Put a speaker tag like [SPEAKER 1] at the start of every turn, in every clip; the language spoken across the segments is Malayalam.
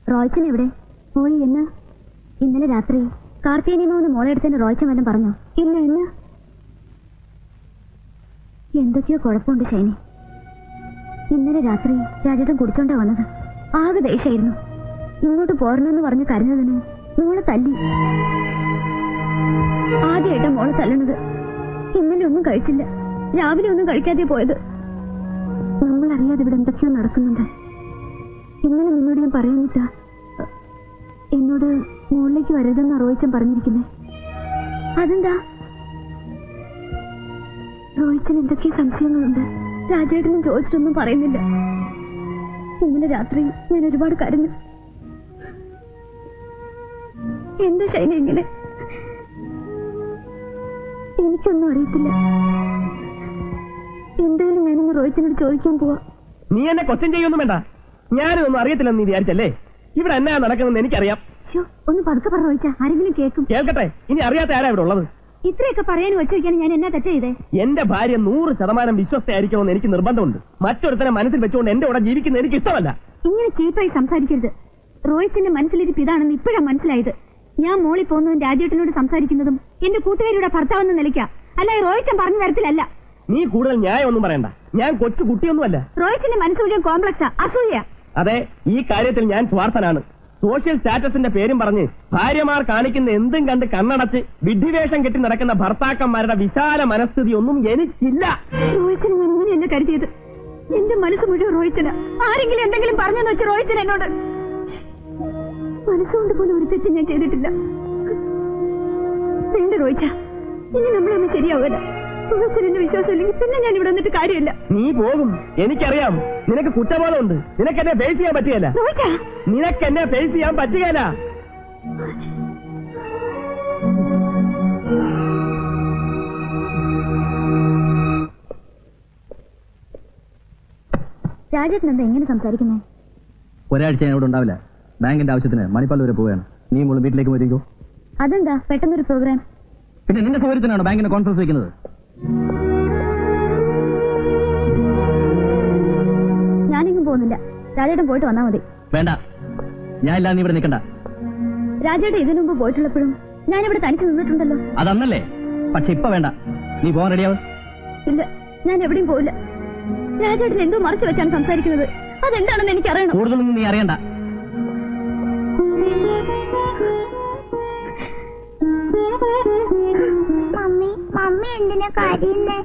[SPEAKER 1] റോയ്ച്ചൻ എവിടെ പോയി? എന്ന് ഇന്നലെ രാത്രി കാർത്തികനിയമൊന്ന് മോളെ എടുത്തതിന് റോയ്ച്ചൻ വല്ലതും പറഞ്ഞോ? ഇല്ല. എന്ന് എന്തൊക്കെയോ കുഴപ്പമുണ്ട് ഷൈനി. ഇന്നലെ രാത്രി രാജേട്ടൻ കുടിച്ചോണ്ടാ വന്നത്. ആകെ ദേഷ്യായിരുന്നു. ഇങ്ങോട്ട് പോരണമെന്ന് പറഞ്ഞ് കരഞ്ഞതിന് മോളെ തല്ലി. ആദ്യമായിട്ടാ മോളെ തല്ലണത്. ഇന്നലെ ഒന്നും കഴിച്ചില്ല, രാവിലെ ഒന്നും കഴിക്കാതെ പോയത്. നമ്മളറിയാതെ ഇവിടെ എന്തൊക്കെയോ നടക്കുന്നുണ്ട്. ഇന്നലെ നിന്നോട് ഞാൻ പറയാനിട്ടാ എന്നോട് മുകളിലേക്ക് വരരുതെന്ന് റോയിച്ചൻ പറഞ്ഞിരിക്കുന്നേ. അതെന്താ? റോയിച്ചന് എന്തൊക്കെയോ സംശയങ്ങളുണ്ട്. രാജേട്ടനും ചോദിച്ചിട്ടൊന്നും പറയുന്നില്ല. ഇന്നലെ രാത്രി ഞാൻ ഒരുപാട് കരഞ്ഞു. എന്താ ഷൈന ഇങ്ങനെ? എനിക്കൊന്നും അറിയത്തില്ല. എന്തായാലും ഞാനിന്ന് റോയിച്ചനോട് ചോദിക്കാൻ പോവാ.
[SPEAKER 2] നീ എന്നെ ക്വസ്റ്റ്യൻ ചെയ്യൊന്നും വേണ്ട. ഞാനൊന്നും അറിയത്തില്ലെന്ന് നീ വിചാരിച്ചല്ലേ? ഇവിടെ എന്നാ നടക്കുന്നത് എനിക്കറിയാം.
[SPEAKER 1] ഒന്ന് പതുക്കെ പറഞ്ഞു റോയിച്ച, ആരെങ്കിലും കേൾക്കും.
[SPEAKER 2] കേൾക്കട്ടെ. ഇനി അറിയാത്ത ആരാ ഇവിടെ ഉള്ളത്?
[SPEAKER 1] ഇത്രയൊക്കെ പറയാൻ വെച്ച് വയ്ക്കാൻ ഞാൻ എന്നാ തെറ്റ് ചെയ്തേ?
[SPEAKER 2] എന്റെ ഭാര്യ 100% വിശ്വസ്തയായിരിക്കണമെന്ന് എനിക്ക് നിർബന്ധമുണ്ട്. മറ്റൊരുത്തനെ മനസ്സിൽ വെച്ചുകൊണ്ട് എന്റെ കൂടെ ജീവിക്കുന്നത് എനിക്ക് ഇഷ്ടമല്ല.
[SPEAKER 1] ഇങ്ങനെ ചീപ്പായി സംസാരിക്കരുത്. റോയിച്ചന്റെ മനസ്സിലിരിപ്പ് ഇതാണെന്ന് ഇപ്പോഴാണ് മനസ്സിലായത്. ഞാൻ മോളിൽ പോകുന്നതും രാജേട്ടനോട് സംസാരിക്കുന്നതും എന്റെ കൂട്ടുകാരിയുടെ ഭർത്താവെന്ന് നിലയ്ക്കാം, അല്ലാതെ റോയിച്ചൻ പറഞ്ഞ തരത്തിലല്ല.
[SPEAKER 2] നീ കൂടുതൽ ന്യായമൊന്നും പറയണ്ട. ഞാൻ കൊച്ചു കുട്ടിയൊന്നുമല്ല.
[SPEAKER 1] റോയിച്ചന്റെ മനസ്സ് മുഴുവൻ കോംപ്ലക്സാ, അസൂയ.
[SPEAKER 2] അതെ, ഈ കാര്യത്തിൽ ഞാൻ സ്വാർത്ഥനാണ്. സോഷ്യൽ സ്റ്റാറ്റസിന്റെ പേരും പറഞ്ഞ് ഭാര്യമാർ കാണിക്കുന്ന എന്തും കണ്ട് കണ്ണടച്ച് വിഡ്ഢിവേഷം കെട്ടി നടക്കുന്ന ഭർത്താക്കന്മാരുടെ വിശാല മനസ്ഥിതി ഒന്നും എനിക്കില്ല.
[SPEAKER 1] റോയിച്ചന് ഞാൻ ഇങ്ങനെയല്ല കരുതിയത്. എന്റെ മനസ്സ് മുഴുവൻ റോയിച്ചന്. ആരെങ്കിലും എന്തെങ്കിലും പറഞ്ഞെന്ന് വെച്ച് റോയിച്ചൻ എന്നോട്. മനസ്സുകൊണ്ട് പോലും ഒരു തെറ്റ് ഞാൻ ചെയ്തിട്ടില്ല. വേണ്ട റോയിച്ച, ഇനി നമ്മളൊന്നും ശരിയാവില്ല. റോയിച്ചനെ വിശ്വാസം ഇല്ലെങ്കിൽ പിന്നെ ഞാൻ ഇവിടെ വന്നിട്ട് കാര്യമില്ല.
[SPEAKER 2] നീ പോകും, എനിക്കറിയാം. നിനക്ക് കുറ്റബോധമുണ്ട്. നിനക്ക് എന്നെ ഫേസ് ചെയ്യാൻ പറ്റുകയില്ല. നിനക്ക് എന്നെ ഫേസ് ചെയ്യാൻ പറ്റുകയില്ല.
[SPEAKER 1] രാജേട്ടൻ എന്താ എങ്ങനെ സംസാരിക്കുന്നേ?
[SPEAKER 3] ഒരാഴ്ച ഞാൻ ഇവിടെ ഉണ്ടാവില്ല. ബാങ്കിന്റെ ആവശ്യത്തിന് മണിപ്പാൽ വരെ പോവുകയാണ്. നീ മോള് വീട്ടിലേക്ക് പോയിരിക്കോ?
[SPEAKER 1] അതെന്താ പെട്ടെന്നൊരു പ്രോഗ്രാം?
[SPEAKER 3] പിന്നെ നിന്റെ സൗകര്യത്തിനാണോ ബാങ്കിന്റെ കോൺഫറൻസ് വെക്കുന്നത്?
[SPEAKER 1] ഞാനെങ്ങും പോകുന്നില്ല. രാജേട്ടൻ പോയിട്ട് വന്നാ മതി.
[SPEAKER 3] വേണ്ട, ഞാൻ ഇല്ലാതെ നീ ഇവിടെ നിൽക്കണ്ട.
[SPEAKER 1] രാജേട്ടൻ ഇതിനു മുമ്പ് പോയിട്ടുള്ളപ്പോഴും ഞാനിവിടെ തനിച്ച് നിന്നിട്ടുണ്ടല്ലോ.
[SPEAKER 3] അതന്നല്ലേ? പക്ഷെ ഇപ്പൊ വേണ്ട. നീ പോകാൻ റെഡിയാവും?
[SPEAKER 1] ഇല്ല, ഞാൻ എവിടെയും പോവില്ല. രാജേട്ടൻ എന്തോ മറച്ചു വെച്ചാണ് സംസാരിക്കുന്നത്. അതെന്താണെന്ന് എനിക്കറിയണം.
[SPEAKER 3] കൂടുതലൊന്നും നീ അറിയണ്ട.
[SPEAKER 1] മമ്മി എന്തിനാ കരയുന്നേ?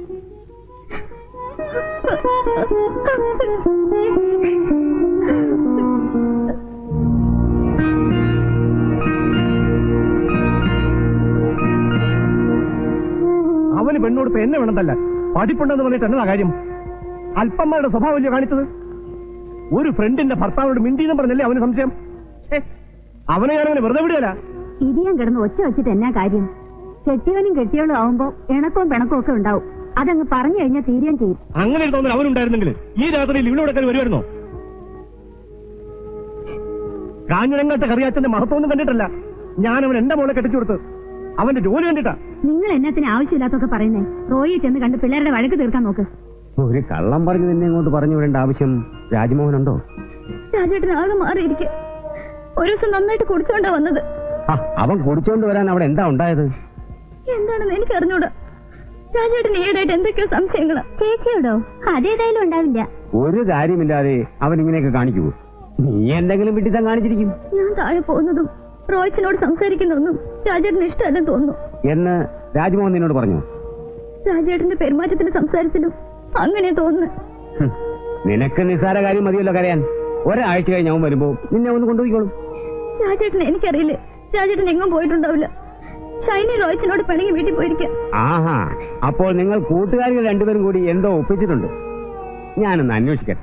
[SPEAKER 2] അവന് പെണ്ണോട് എന്നെ വേണമെന്നല്ല, പഠിപ്പുണ്ടെന്ന് പറഞ്ഞിട്ട് എന്നതാ കാര്യം? അല്പന്മാരുടെ സ്വഭാവമല്ലേ കാണിച്ചത്? ഒരു ഫ്രണ്ടിന്റെ ഭർത്താവിനോട് മിണ്ടിയെന്ന് പറഞ്ഞല്ലേ അവന് സംശയം? അവനെ ഞാനവനെ വെറുതെ വിടുകയല്ല.
[SPEAKER 1] ഇടിയാൻ കിടന്ന് ഒച്ച വെച്ചിട്ട് എന്നാ കാര്യം? കെട്ടിയവനും കെട്ടിയവളും ആവുമ്പോ ഇണക്കവും പിണക്കവും ഒക്കെ ഉണ്ടാവും. അതങ്ങ് പറഞ്ഞു കഴിഞ്ഞാൽ തീരുകയും ചെയ്യും.
[SPEAKER 2] അങ്ങനെ ഒരു തോന്നൽ അവനുണ്ടായിരുന്നെങ്കിൽ ഈ രാത്രിയിൽ ഇവിടെ വരുമായിരുന്നോ? കാഞ്ഞിരങ്ങാട്ട് കറിയാച്ചന്റെ മഹത്വമൊന്നും കണ്ടിട്ടല്ല ഞാൻ അവൻ എന്റെ മോളെ കെട്ടിച്ചു കൊടുത്ത്. അവന്റെ ജോലി കണ്ടിട്ടാ.
[SPEAKER 1] നിങ്ങൾ എന്നത്തിന് ആവശ്യമില്ലാത്തൊക്കെ പറയുന്നേ? റോയെ ചെന്ന് കണ്ട് പിള്ളേരുടെ വഴക്ക് തീർക്കാൻ നോക്ക്.
[SPEAKER 3] ഒരു കള്ളം പറഞ്ഞു നിന്നെ ഇങ്ങോട്ട് പറഞ്ഞു വിടേണ്ട ആവശ്യം രാജ്മോഹനുണ്ടോ?
[SPEAKER 1] രാജേട്ടൻ ആകെ മാറിയിരിക്കെ. ഒരു ദിവസം നന്നായിട്ട് കുടിച്ചോണ്ടാ വന്നത്.
[SPEAKER 3] അവൻ കുടിച്ചോണ്ട് വരാൻ അവിടെ എന്താ ഉണ്ടായത്?
[SPEAKER 1] എന്താണെന്ന് എനിക്ക് അറിഞ്ഞൂടാ. രാജേട്ടൻ ഈയിടെയായിട്ട് എന്തൊക്കെയോ സംശയങ്ങളാ. ചേച്ചിയോടോ? അതേതായാലും ഉണ്ടാവില്ല.
[SPEAKER 3] ഒരു കാര്യമില്ലാതെ അവൻ ഇങ്ങനെയൊക്കെ കാണിക്കൂ? നീ എന്തെങ്കിലും വിട്ടിത്തം കാണിച്ചിരിക്കും.
[SPEAKER 1] ഞാൻ താഴെ പോകുന്നതും റോയിച്ചനോട് സംസാരിക്കുന്നതൊന്നും രാജേട്ടന് ഇഷ്ടമല്ലെന്ന് തോന്നുന്നു
[SPEAKER 3] എന്ന് രാജ്മോഹൻ നിന്നോട് പറഞ്ഞു?
[SPEAKER 1] രാജേട്ടന്റെ പെരുമാറ്റത്തിലും സംസാരത്തിലും അങ്ങനെ തോന്നുന്നു.
[SPEAKER 3] നിനക്ക് നിസ്സാര കാര്യം മതിയല്ലോ കരയാൻ. ഒരാഴ്ച കഴിഞ്ഞ് അവൻ വരുമ്പോ നിന്നെ ഒന്ന് കൊണ്ടുപോയിക്കോളും.
[SPEAKER 1] രാജേട്ടനെ എനിക്കറിയില്ലേ. രാജേട്ടൻ എങ്ങും പോയിട്ടുണ്ടാവില്ല. ഷൈനി റോയിച്ചനോട് പിണങ്ങി വീട്ടിൽ പോയിരിക്കാം.
[SPEAKER 3] ആഹാ, അപ്പോൾ നിങ്ങൾ കൂട്ടുകാരികൾ രണ്ടുപേരും കൂടി എന്തോ ഒപ്പിച്ചിട്ടുണ്ട്. ഞാനൊന്ന് അന്വേഷിക്കട്ടെ.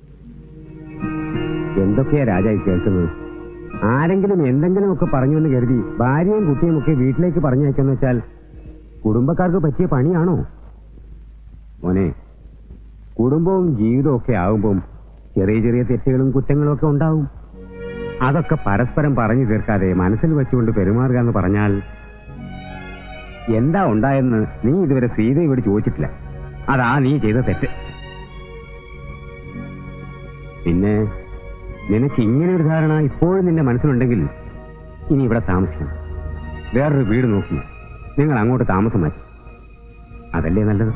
[SPEAKER 3] എന്തൊക്കെയാ രാജായി കേൾക്കുന്നത്? ആരെങ്കിലും എന്തെങ്കിലും ഒക്കെ പറഞ്ഞുവെന്ന് കരുതി ഭാര്യയും കുട്ടിയും ഒക്കെ വീട്ടിലേക്ക് പറഞ്ഞയക്കാന്ന് വെച്ചാൽ കുടുംബക്കാർക്ക് പറ്റിയ പണിയാണോ? മോനെ, കുടുംബവും ജീവിതവും ഒക്കെ ആകുമ്പം ചെറിയ ചെറിയ തെറ്റുകളും കുറ്റങ്ങളും ഒക്കെ ഉണ്ടാവും. അതൊക്കെ പരസ്പരം പറഞ്ഞു തീർക്കാതെ മനസ്സിൽ വെച്ചുകൊണ്ട് പെരുമാറുക എന്ന് പറഞ്ഞാൽ എന്താ ഉണ്ടായെന്ന് നീ ഇതുവരെ സീതയോട് ചോദിച്ചിട്ടില്ല. അതാ നീ ചെയ്ത തെറ്റ്. പിന്നെ നിനക്ക് ഇങ്ങനെ ഒരു ധാരണ ഇപ്പോഴും നിന്റെ മനസ്സിലുണ്ടെങ്കിൽ ഇനി ഇവിടെ താമസിക്കണം. വേറൊരു വീട് നോക്കി നിങ്ങൾ അങ്ങോട്ട് താമസം മാറ്റി. അതല്ലേ നല്ലത്?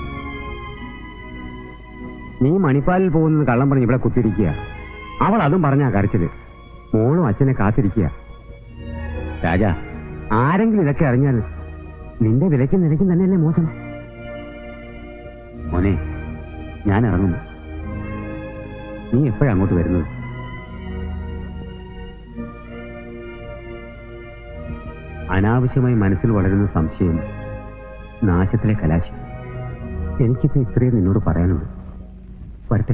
[SPEAKER 3] നീ മണിപ്പാലിൽ പോകുന്നത് കള്ളം പറഞ്ഞ് ഇവിടെ കുത്തിരിക്കുക. അവൾ അതും പറഞ്ഞാ കരച്ചില്. മോളും അച്ഛനെ കാത്തിരിക്കുക. രാജാ, ആരെങ്കിലും ഇതൊക്കെ അറിഞ്ഞാൽ നിന്റെ വിലയ്ക്കും നിലയ്ക്കും തന്നെയല്ലേ മോശം. മോനെ, ഞാൻ ഇറങ്ങുന്നു. നീ എപ്പോഴാ അങ്ങോട്ട് വരുന്നത്? അനാവശ്യമായി മനസ്സിൽ വളരുന്ന സംശയം നാശത്തിലെ കലാശം. എനിക്കിപ്പോ ഇത്രയും നിന്നോട് പറയാനുള്ളൂ. വരട്ടെ.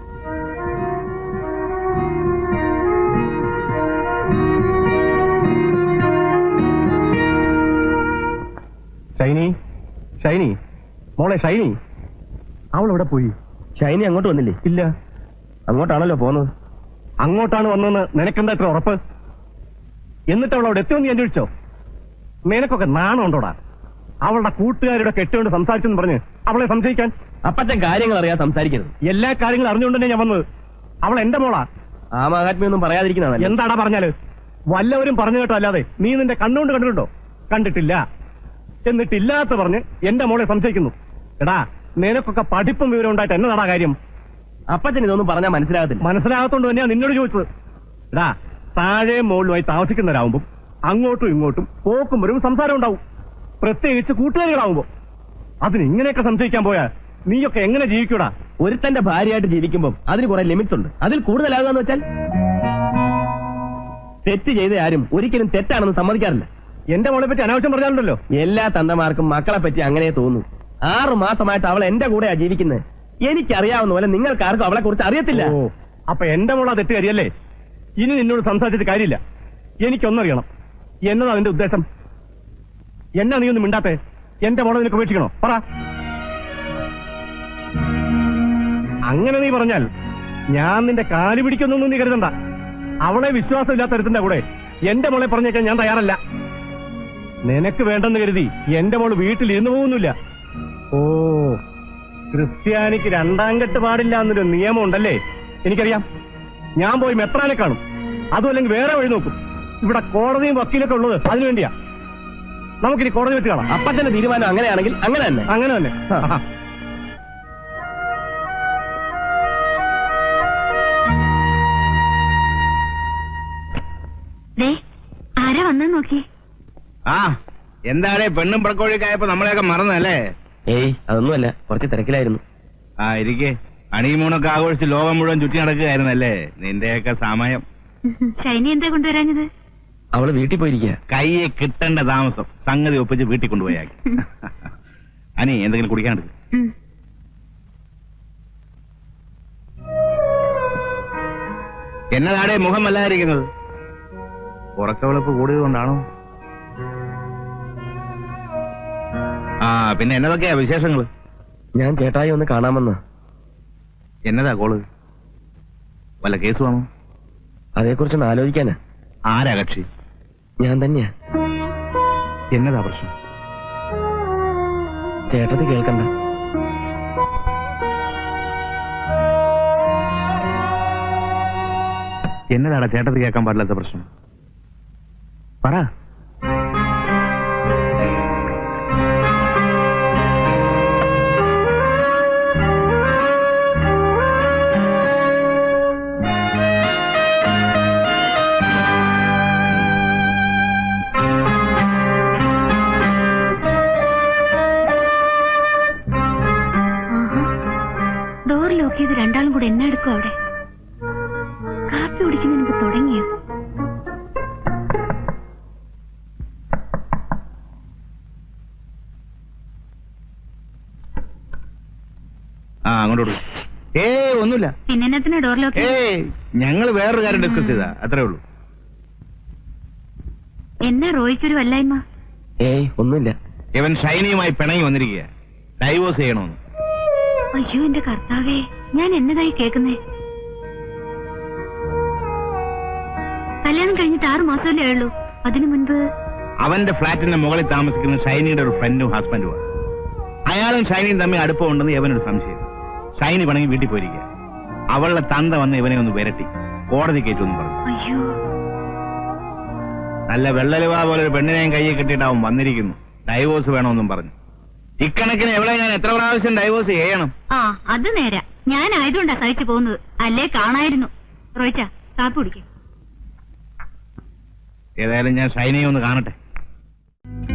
[SPEAKER 2] ഷൈനി, ഷൈനി, മോളെ ഷൈനി, അവൾ എവിടെ പോയി? ഷൈനി അങ്ങോട്ട് വന്നില്ലേ? ഇല്ല. അങ്ങോട്ടാണല്ലോ പോന്നത്. അങ്ങോട്ടാണ് വന്നതെന്ന് നിനക്കെന്താ ഇത്ര ഉറപ്പ്? എന്നിട്ട് അവൾ അവിടെ എത്തിയോന്ന് അന്വേഷിച്ചോ? നിനക്കൊക്കെ നാണമുണ്ടോടാ? അവളുടെ കൂട്ടുകാരുടെ കെട്ടുകൊണ്ട് സംസാരിച്ചെന്ന് പറഞ്ഞ് അവളെ സംശയിക്കാൻ?
[SPEAKER 4] അപ്പത്തെ കാര്യങ്ങൾ അറിയാൻ സംസാരിക്കരുത്.
[SPEAKER 2] എല്ലാ കാര്യങ്ങളും അറിഞ്ഞുകൊണ്ട് തന്നെ ഞാൻ വന്നത്. അവൾ എന്റെ മോളാ.
[SPEAKER 4] ആ മഹാത്മ്യൊന്നും പറയാതിരിക്കുന്നതല്ല.
[SPEAKER 2] എന്താടാ പറഞ്ഞാല്? വല്ലവരും പറഞ്ഞു കേട്ടോ അല്ലാതെ നീ നിന്റെ കണ്ണുകൊണ്ട് കണ്ടിട്ടുണ്ടോ? കണ്ടിട്ടില്ല. എന്നിട്ടില്ലാത്ത പറഞ്ഞ് എന്റെ മോളെ സംശയിക്കുന്നു. എടാ, നിനക്കൊക്കെ പഠിപ്പും വിവരം ഉണ്ടായിട്ട് എന്നതാടാ കാര്യം?
[SPEAKER 4] അപ്പച്ചൻ ഇതൊന്നും പറഞ്ഞാൽ മനസ്സിലാകത്തില്ല.
[SPEAKER 2] മനസ്സിലാകത്തോണ്ട് തന്നെയാ നിന്നോട് ചോദിച്ചത്. എടാ, താഴെ മുകളിലുമായി താമസിക്കുന്നവരാകുമ്പോൾ അങ്ങോട്ടും ഇങ്ങോട്ടും പോക്കും വരും സംസാരം ഉണ്ടാവും, പ്രത്യേകിച്ച് കൂട്ടുകാരികളാവുമ്പോ. അതിന് ഇങ്ങനെയൊക്കെ സംശയിക്കാൻ പോയാ നീയൊക്കെ എങ്ങനെ ജീവിക്കൂടാ?
[SPEAKER 4] ഒരുത്തന്റെ ഭാര്യയായിട്ട് ജീവിക്കുമ്പോൾ അതിന് കുറെ ലിമിറ്റ്സ് ഉണ്ട്. അതിൽ കൂടുതലാകുകയെന്ന് വെച്ചാൽ തെറ്റ് ചെയ്ത ആരും ഒരിക്കലും തെറ്റാണെന്ന് സമ്മതിക്കാറില്ല.
[SPEAKER 2] എന്റെ മോളെ പറ്റി അനാവശ്യം പറഞ്ഞാലുണ്ടല്ലോ.
[SPEAKER 4] എല്ലാ തന്തമാർക്കും മക്കളെ പറ്റി അങ്ങനെ തോന്നും. 6 മാസമായിട്ട് അവൾ എന്റെ കൂടെയാ ജീവിക്കുന്നത്. എനിക്കറിയാവുന്ന പോലെ നിങ്ങൾക്കാർക്കും അവളെ കുറിച്ച് അറിയത്തില്ല.
[SPEAKER 2] ഓ, അപ്പൊ എന്റെ മോളാ തെറ്റുകാരിയല്ലേ? ഇനി നിന്നോട് സംസാരിച്ചിട്ട് കാര്യമില്ല. എനിക്കൊന്നറിയണം, എന്നതാ നിന്റെ ഉദ്ദേശം? എന്നാ നീ ഒന്നും മിണ്ടാത്തെ? എന്റെ മോളെ നിനക്ക് ഉപേക്ഷിക്കണോ? പറ. അങ്ങനെ നീ പറഞ്ഞാൽ ഞാൻ നിന്റെ കാല് പിടിക്കുന്നൊന്നും നീ കരുതണ്ട. അവളെ വിശ്വാസമില്ലാത്ത ഒരുത്തിന്റെ കൂടെ എന്റെ മോളെ പറഞ്ഞേക്കാൻ ഞാൻ തയ്യാറല്ല. നിനക്ക് വേണ്ടെന്ന് കരുതി എന്റെ മോള് വീട്ടിൽ ഇരുന്നു പോകുന്നില്ല. ഓ, ക്രിസ്ത്യാനിക്ക് 2ാം കെട്ട് പാടില്ല എന്നൊരു നിയമം ഉണ്ടല്ലേ? എനിക്കറിയാം. ഞാൻ പോയി മെത്രാനെ കാണും, അതും അല്ലെങ്കിൽ വേറെ വഴി നോക്കും. ഇവിടെ കോടതിയും വക്കീലൊക്കെ ഉള്ളത് അതിനുവേണ്ടിയാ. നമുക്കിനി കോടതി വെച്ച് കാണാം.
[SPEAKER 4] അപ്പച്ചന്റെ തീരുമാനം അങ്ങനെയാണെങ്കിൽ അങ്ങനെ തന്നെ.
[SPEAKER 2] അങ്ങനെ തന്നെ.
[SPEAKER 1] ആരാ വന്നു നോക്കി?
[SPEAKER 5] ആ, എന്താടേ പെണ്ണും പടക്കോഴിയൊക്കെ ആയപ്പോ നമ്മളെയൊക്കെ മറന്നല്ലേ?
[SPEAKER 4] ഏയ്, അതൊന്നുമല്ല, കുറച്ച് തിരക്കിലായിരുന്നു.
[SPEAKER 5] ആ, ഇരിക്കേ. ഹണിമൂണൊക്കെ ആഘോഷിച്ച് ലോകം മുഴുവൻ ചുറ്റി നടക്കുകയായിരുന്നല്ലേ നിന്റെയൊക്കെ സമയം.
[SPEAKER 1] ഷൈനി എന്താ കൊണ്ടുവരാഞ്ഞത്?
[SPEAKER 4] അവള് വീട്ടിൽ പോയിരിക്കുക.
[SPEAKER 5] കയ്യെ കിട്ടേണ്ട താമസം സംഗതി ഒപ്പിച്ച് വീട്ടിൽ കൊണ്ടുപോയാക്കി. അനി, എന്തെങ്കിലും കുടിക്കാണ്ട്? എന്നതാടേ മുഖം വല്ലാതിരിക്കുന്നത്? ഉറക്കവിളപ്പ് കൂടിയതുകൊണ്ടാണോ? ആ, പിന്നെ എന്നതൊക്കെയാ വിശേഷങ്ങള്?
[SPEAKER 4] ഞാൻ ചേട്ടായി ഒന്ന് കാണാമെന്ന്.
[SPEAKER 5] എന്നതാ കോള്? വല്ല കേസ് വേണോ?
[SPEAKER 4] അതേക്കുറിച്ചൊന്ന് ആലോചിക്കാനാ.
[SPEAKER 5] ആരാ കക്ഷി?
[SPEAKER 4] ഞാൻ തന്നെയാ.
[SPEAKER 5] എന്നതാ പ്രശ്നം?
[SPEAKER 4] ചേട്ടത്തി കേൾക്കണ്ട.
[SPEAKER 5] എന്നതാടാ ചേട്ടത്തി കേൾക്കാൻ പാടില്ലാത്ത പ്രശ്നം? പറ.
[SPEAKER 1] ഡോർ ലോക്ക് ചെയ്ത് രണ്ടാളും കൂടെ എന്നെ എടുക്കും. അവിടെ കാപ്പി കുടിക്കുന്നതിന് മുമ്പ് തുടങ്ങിയോ?
[SPEAKER 5] ആ, അങ്ങോട്ട്. ഒന്നുമില്ല.
[SPEAKER 1] പിന്നെ ഡോർ ലോക്ക്?
[SPEAKER 5] ഞങ്ങൾ വേറൊരു കാര്യം ഡിസ്കസ് ചെയ്താ, അത്രേ ഉള്ളൂ.
[SPEAKER 1] എന്നാ റോയ്ക്കൊരു വല്ലായ്മ?
[SPEAKER 4] ഏയ്, ഒന്നുമില്ല.
[SPEAKER 5] ഇവൻ ഷൈനിയുമായി പിണങ്ങി വന്നിരിക്കുക, ഡൈവോഴ്സ് ചെയ്യണമെന്ന്.
[SPEAKER 1] അയ്യോ, എന്റെ കർത്താവേ, ഞാൻ എന്നതായി കേൾക്കുന്നേ? കല്യാണം കഴിഞ്ഞിട്ട് 6 മാസമല്ലേ ഉള്ളൂ. അതിനു മുൻപ്
[SPEAKER 5] അവന്റെ ഫ്ലാറ്റിന്റെ മുകളിൽ താമസിക്കുന്ന ഷൈനിയുടെ ഒരു ഫ്രണ്ടും ഹസ്ബൻഡുമാണ്. അയാളും ഷൈനിയും തമ്മിൽ അടുപ്പമുണ്ടെന്ന് ഇവനൊരു സംശയം. ഷൈനി പിണങ്ങി വീട്ടിൽ പോയിരിക്കുക. അവളുടെ തന്ത വന്ന് ഇവനെ ഒന്ന് വിരട്ടി. കോടതി കയറ്റുമെന്ന് പറഞ്ഞു.
[SPEAKER 1] അയ്യോ,
[SPEAKER 5] നല്ല വെള്ളലുവ പോലെ ഒരു പെണ്ണിനെയും കയ്യിൽ കെട്ടിയിട്ട് അവൻ വന്നിരിക്കുന്നു. ഡൈവോഴ്സ് വേണമെന്നും പറഞ്ഞു. ഇക്കണക്കിന് എവിടെ ഞാൻ എത്ര പ്രാവശ്യം ഡൈവോഴ്സ് ചെയ്യണം?
[SPEAKER 1] ആ അത് നേരാ. ഞാനായതുകൊണ്ടാ സഹിച്ചു പോകുന്നത്. അല്ലേ കാണായിരുന്നു. റോയിച്ച കാപ്പി കുടിക്കും.
[SPEAKER 5] ഏതായാലും ഞാൻ ഷൈനയെ ഒന്ന് കാണട്ടെ.